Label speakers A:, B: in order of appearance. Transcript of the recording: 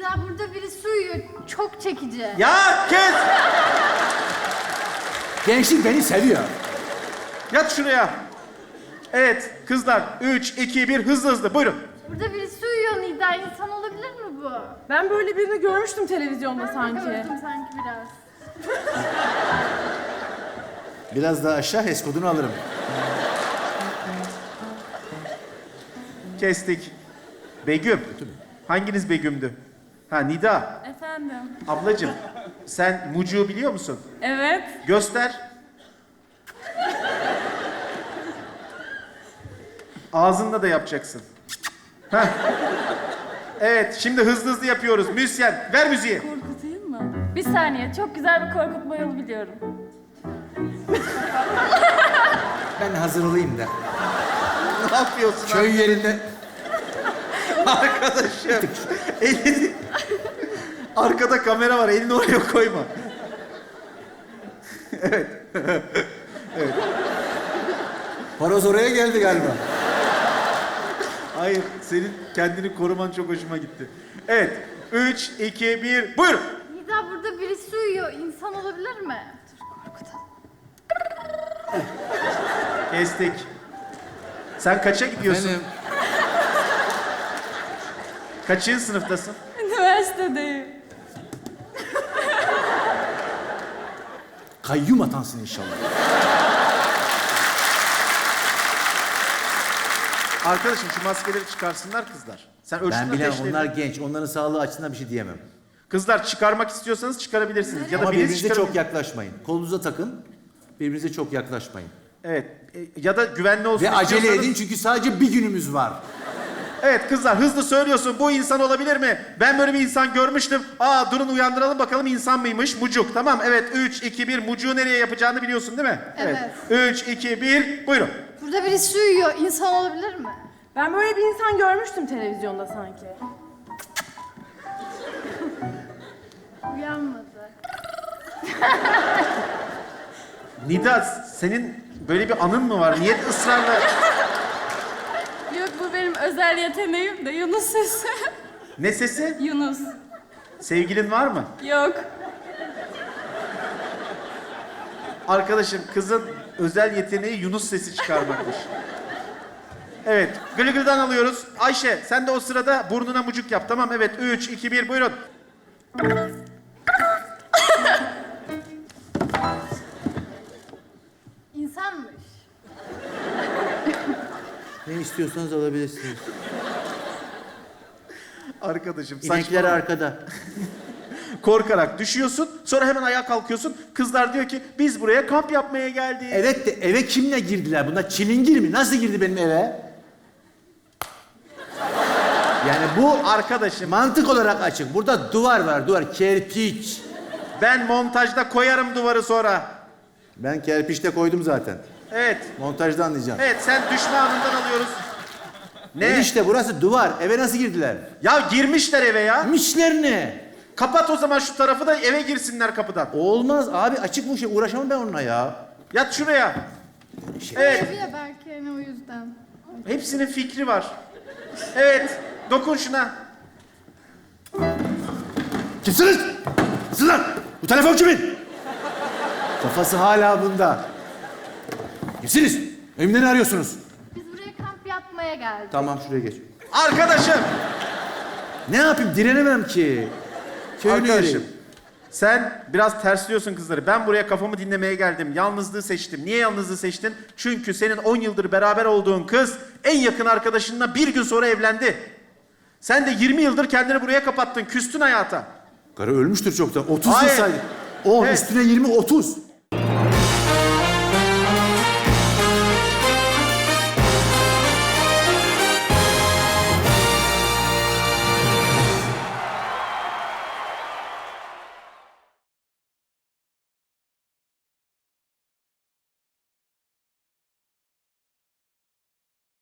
A: Nida burada birisi uyuyor. Çok çekici.
B: Ya kes!
C: Gençlik beni seviyor.
B: Yat şuraya. Evet kızlar 3, 2, 1 hızlı hızlı buyurun.
A: Burada birisi uyuyor Nida. İnsan olabilir mi bu?
D: Ben böyle birini görmüştüm televizyonda
A: Ben
D: sanki.
A: gördüm sanki biraz.
C: Biraz daha aşağı HES kodunu alırım.
B: Kestik. Begüm. Hanginiz Begüm'dü? Ha Nida.
E: Efendim.
B: Ablacığım sen Mucu'yu biliyor musun?
E: Evet.
B: Göster. Ağzınla da yapacaksın. Heh. Evet, şimdi hızlı hızlı yapıyoruz. Müzisyen, ver müziği.
E: Korkutayım mı? Bir saniye. Çok güzel bir korkutma yolu biliyorum.
C: Ben hazır olayım da.
B: Ne yapıyorsun?
C: Köy yerinde...
B: Arkadaşım. Elini... Arkada kamera var, elini oraya koyma.
C: Horoz oraya geldi galiba.
B: Hayır, senin kendini koruman çok hoşuma gitti. Evet, 3, 2, 1, buyurun.
A: Nida burada birisi uyuyor. İnsan olabilir mi? Dur korkutalım.
B: Kestik. Sen kaça gidiyorsun?
C: Benim...
B: Kaçıncı sınıftasın?
E: Üniversitedeyim.
C: Kayyum atansın inşallah.
B: Arkadaşım şu maskeleri çıkarsınlar kızlar. Sen ölçtün
C: Ben bilemem,
B: ateşleri.
C: onlar genç. Onların sağlığı açısından bir şey diyemem.
B: Kızlar çıkarmak istiyorsanız çıkarabilirsiniz. Ya da
C: Ama
B: birisi
C: birbirinize
B: çıkarabilir.
C: çok yaklaşmayın. Kolunuza takın. Birbirinize çok yaklaşmayın.
B: Evet. Ya da güvenli olsun
C: Ve acele
B: istiyorsanız-
C: edin çünkü sadece bir günümüz var.
B: Evet kızlar hızlı söylüyorsun. Bu insan olabilir mi? Ben böyle bir insan görmüştüm. Aa durun uyandıralım bakalım insan mıymış? Mucuk. Tamam evet 3, 2, 1. Mucuğu nereye yapacağını biliyorsun değil mi?
A: Evet.
B: 3, 2, 1. Buyurun.
A: Burada birisi uyuyor. İnsan olabilir mi?
D: Ben böyle bir insan görmüştüm televizyonda sanki.
A: Uyanmadı.
B: Nida senin böyle bir anın mı var? Niye ısrarla...
E: Yok bu benim özel yeteneğim de Yunus sesi.
B: Ne sesi?
E: Yunus.
B: Sevgilin var mı?
E: Yok.
B: Arkadaşım kızın özel yeteneği Yunus sesi çıkarmakmış. Evet. Gılgıl'dan alıyoruz. Ayşe sen de o sırada burnuna mucuk yap. Tamam evet. 3, 2, 1 buyurun.
A: İnsanmış.
C: Ne istiyorsanız alabilirsiniz.
B: Arkadaşım
C: İnekler
B: saçmalama.
C: arkada.
B: Korkarak düşüyorsun. Sonra hemen ayağa kalkıyorsun. Kızlar diyor ki biz buraya kamp yapmaya geldik.
C: Evet de eve kimle girdiler? Bunlar çilingir mi? Nasıl girdi benim eve? Yani bu
B: Arkadaşım
C: mantık olarak açık. Burada duvar var, duvar. Kerpiç.
B: ben montajda koyarım duvarı sonra.
C: Ben kerpiçte koydum zaten.
B: Evet.
C: Montajda anlayacağım.
B: Evet sen düşme anından alıyoruz. Ne?
C: Enişte burası duvar. Eve nasıl girdiler?
B: Ya girmişler eve ya.
C: Mişler ne?
B: Kapat o zaman şu tarafı da eve girsinler kapıdan.
C: Olmaz abi, açık bu şey. Uğraşamam ben onunla ya.
B: Yat şuraya. Evet.
A: Evi ya belki hani o yüzden.
B: Hepsinin fikri var. Evet. Dokun şuna.
C: Kimsiniz? Sizin lan! Bu telefon kimin? Kafası hala bunda. Kimsiniz? Evimde ne arıyorsunuz?
A: Biz buraya kamp yapmaya geldik.
C: Tamam, şuraya geç.
B: Arkadaşım.
C: Ne yapayım? Direnemem ki. Köylü
B: Arkadaşım.
C: yeri.
B: Sen biraz tersliyorsun kızları. Ben buraya kafamı dinlemeye geldim. Yalnızlığı seçtim. Niye yalnızlığı seçtin? Çünkü senin 10 yıldır beraber olduğun kız en yakın arkadaşınla bir gün sonra evlendi. Sen de 20 yıldır kendini buraya kapattın. Küstün hayata.
C: Karı ölmüştür çoktan. 30 yıl
B: Hayır.
C: saydı. 10
B: Evet.
C: üstüne 20, 30.